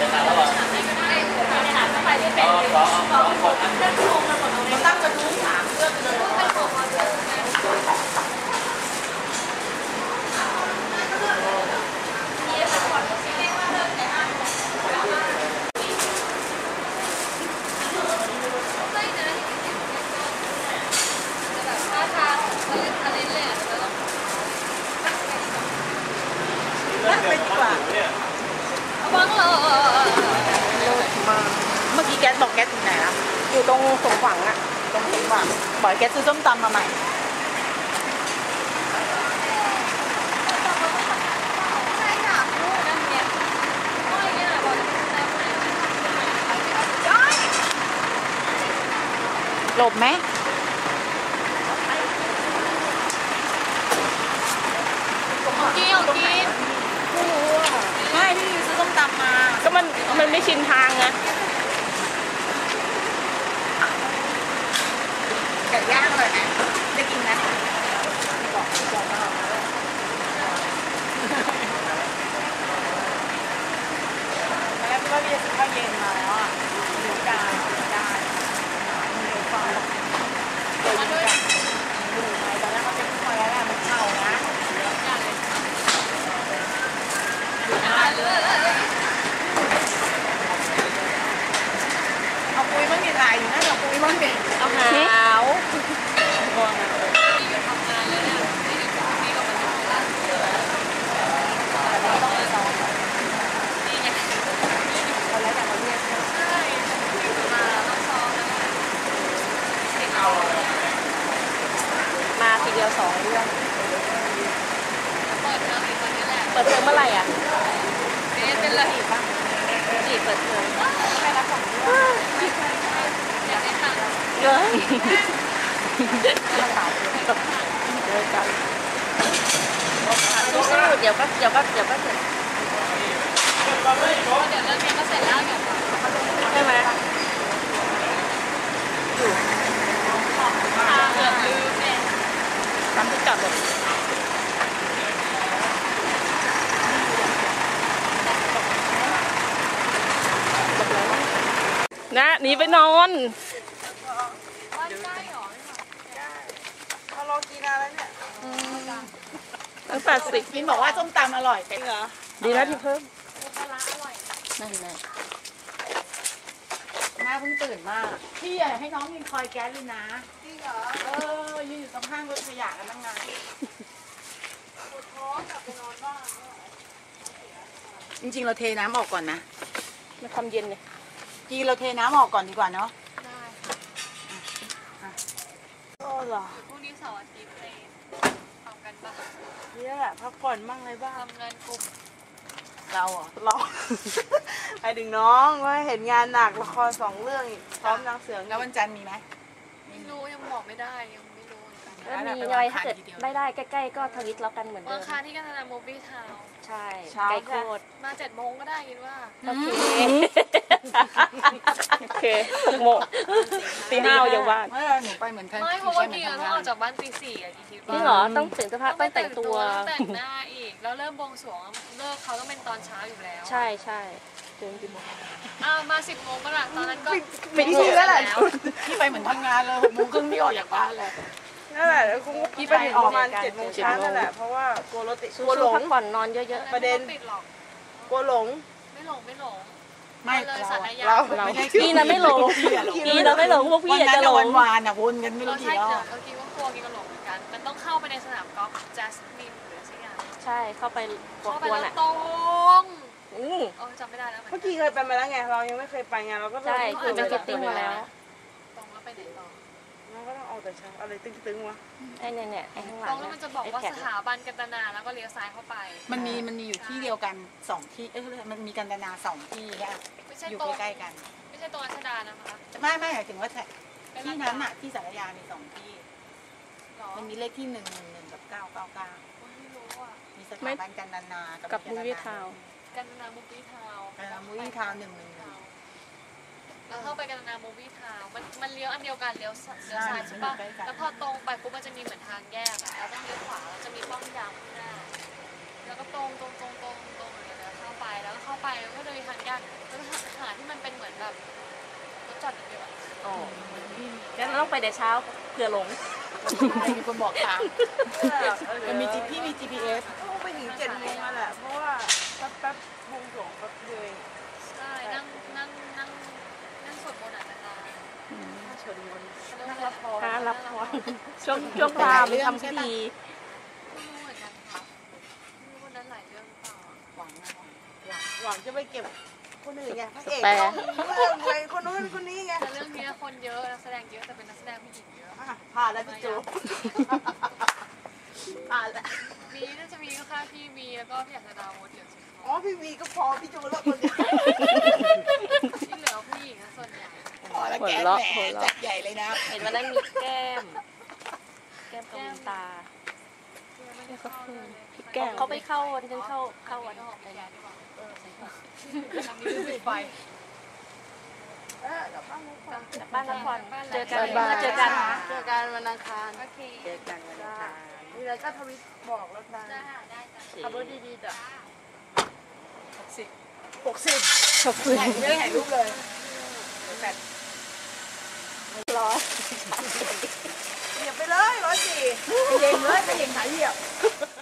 ตั้งกระทู้ถามเพื่อนเลยนั่งไปดีกว่าบังเลยมาเมื่อกี้แก๊สบอกแก๊สถึงไหนล่ะอยู่ตรงสมหวังอะตรงสมหวังบอกแก๊สซื้อส้มตำมาใหม่ใช่ค่ะนั่นเนี่ยอ้อยเนี่ยบอกหลบไหมกินกินไม่รู้อ่ะไม่พี่ซื้อส้มตำมาก็มันไม่ชินทางไงไก่ย่างเลยนะได้กินไหมบอกแล้วก็เรียกข้าวเย็นมาแล้วอ่ะหมูได้มันเร็วกว่ามาด้วยดูไหมตอนแรกมันเป็นข้าวแล้วแหละมันเข้านะเอาปุ้ยมันมีลายอยู่นะเอาปุ้ยมันเป็นเอาหาวมาทีเดียว2 เรื่องเปิดเทอมเมื่อไหร่อ่ะเป็นเลยจีบเปิดเทอมใครรับของอยากได้ตังค์เลยเจอกันสู้ๆเดี๋ยวก็เสร็จเดี๋ยวเรื่องนี้ก็เสร็จแล้วใช่ไหมอยู่เกือบลืมเนี่ยทำที่จอดรถนะหนีไปนอนเขารอกินอะไรเนี่ยตั้งแต่10มินบอกว่าส้มตำอร่อยจริงเหรอดีแล้วที่เพิ่มปลาอร่อยนั่นแหละแม่เพิ่งตื่นมากพี่อยากให้น้องยินคอยแก๊สเลยนะจริงเหรอยืนอยู่ตรงข้างรถขยะกันตั้งนานปวดท้องกลับไปนอนบ้างจริงๆเราเทน้ำออกก่อนนะมาทำเย็นเลยกีเราเทน้ำออกก่อนดีกว่าเนาะได้ค่ะโอ้เหรอพรุ่งนี้เสาร์อาทิตย์ไปทำกันบ้างนี่แหละพักผ่อนบ้างอะไรบ้างทำงานกลุ่มเราเราไปดึงน้องว่าเห็นงานหนักละคร2 เรื่องพร้อมนางเสือแล้ววันจันทร์มีไหมไม่รู้ยังบอกไม่ได้ยังไม่รู้ก็มีอะไรถ้าเกิดไม่ได้ใกล้ๆก็ทวิตแล้วกันเหมือนเดิมวันค้าที่กันนาโมบิทาวใช่ไกลโคตรมา7 โมงก็ได้คิดว่าโอเคโอเค6 โมงตี 5อยู่บ้านไม่หนูไปเหมือนกันไม่เพราะว่าเดียวต้องออกจากบ้านตี 4อะคิดว่านี่เหรอต้องเปลี่ยนเสื้อผ้าต้องแต่งตัวแต่งหน้าอีกแล้วเริ่มบวงสรวงเลิกเขาต้องเป็นตอนเช้าอยู่แล้วใช่ใช่ตื่นกี่โมงมา10 โมงก็ละตอนนั้นก็ปิดที่แล้วแหละที่ไปเหมือนทำงานเลย6 โมงครึ่งที่ออกจากบ้านเลยนั่นแหละแล้วคุณพี่ไปประมาณ7 โมงเช้านั่นแหละเพราะว่ากลัวรถติดกลัวหลงพักผ่อนนอนเยอะๆประเด็นกลัวหลงไม่หลงไม่เราพี่นะไม่หลงพี่นะไม่หลงพวกพี่อยากจะหลงวานอ่ะวนกันไม่รู้กี่รอบเมื่อกี้ว่ากลัวกินก็หลงเหมือนกันมันต้องเข้าไปในสนามกอล์ฟจัสมินหรือสักอย่างใช่เข้าไปกวนอ่ะตรงจำไม่ได้แล้วเมื่อกี้เคยไปมาแล้วไงเรายังไม่เคยไปไงเราก็ใช่คือจะติดมาแล้วตรงแล้วไปไหนต่อเราก็ต้องออกแต่เช้าอะไรตึงๆวะไอ้เนี่ยไอ้ข้างหลังตรงแล้วมันจะบอกว่าสถาบันกันตนาแล้วก็เลี้ยวซ้ายเข้าไปมันมีอยู่ที่เดียวกัน2 ที่มันมีกันตนา2 ที่ค่ะอยู่ใกล้ๆกันไม่ใช่ตรงอัชดานะคะไม่หมายถึงว่าที่นั้นอะที่สารยามี2 ที่มันมีเลขที่111กับ999ไม่รู้อ่ะมีสถาบันกันตนากับมูวี่ทาวกันตนามูวี่ทาว111แล้วเข้าไปกันนาโมวี่ทาวมันเลี้ยวอันเดียวกันเลี้ยวซ้ายใช่ปะแล้วพอตรงไปปุ๊บมันจะมีเหมือนทางแยกอะเราต้องเลี้ยวขวาแล้วจะมีป้อมยามข้างหน้าแล้วก็ตรงอย่างเงี้ยเข้าไปแล้วก็เข้าไปก็จะมีทางแยกแล้วแบบรถจอดเยอะอ๋องั้นเราต้องไปแต่เช้าเผื่อหลงมีคนบอกทางมันมีพี่มี GPS ต้องไปถึง7 โมงนั่นแหละเพราะว่าแป๊บวงสวงแป๊บเดียวใช่นั่งสวดมนต์อ่ะนานๆเฉินมนนั่งรับพรการรับพรช่วงพราหมณ์ทำพิธีไม่รู้เหมือนกันค่ะไม่รู้วันนั้นหลายเรื่องหรือเปล่าหวังจะไปเก็บคนอื่นไงพระเอกต้องเรื่องไงคนนู้นคนนี้ไงแต่เรื่องนี้คนเยอะนักแสดงเยอะแต่เป็นนักแสดงผู้หญิงเยอะผ่านแล้วพี่จูผ่านแล้วน่าจะมีก็ค่ะพี่วีแล้วก็พี่อยากจะดาวน์โหลดเดี๋ยวสิอ๋อพี่วีก็พอพี่จูแล้วคนเดียวที่เหลือผู้หญิงส่วนใหญ่พอแล้วแกแหมจัดใหญ่เลยนะเห็นวันนั้นมีแก้มกับบุญตาไม่ได้เข้าเลยพี่แก้มเขาไปเข้าวันที่เข้าวันก็ออกไปแย่ดีกว่าทำนี้ปิดไฟกลับบ้านเลยค่ะจากบ้านนครเจอกันเจอกันวันอังคารโอเคเจอกันวันอังคารนี่แล้วก็ทวิตบอกแล้วนะได้ได้จ้ะขับรถดีๆจ้ะ60 ขอบคุณไม่ได้ถ่ายรูปเลยแปดร้อยเหยียบไปเลย104เหยียบเลยจะเหยียบหายเหยียบ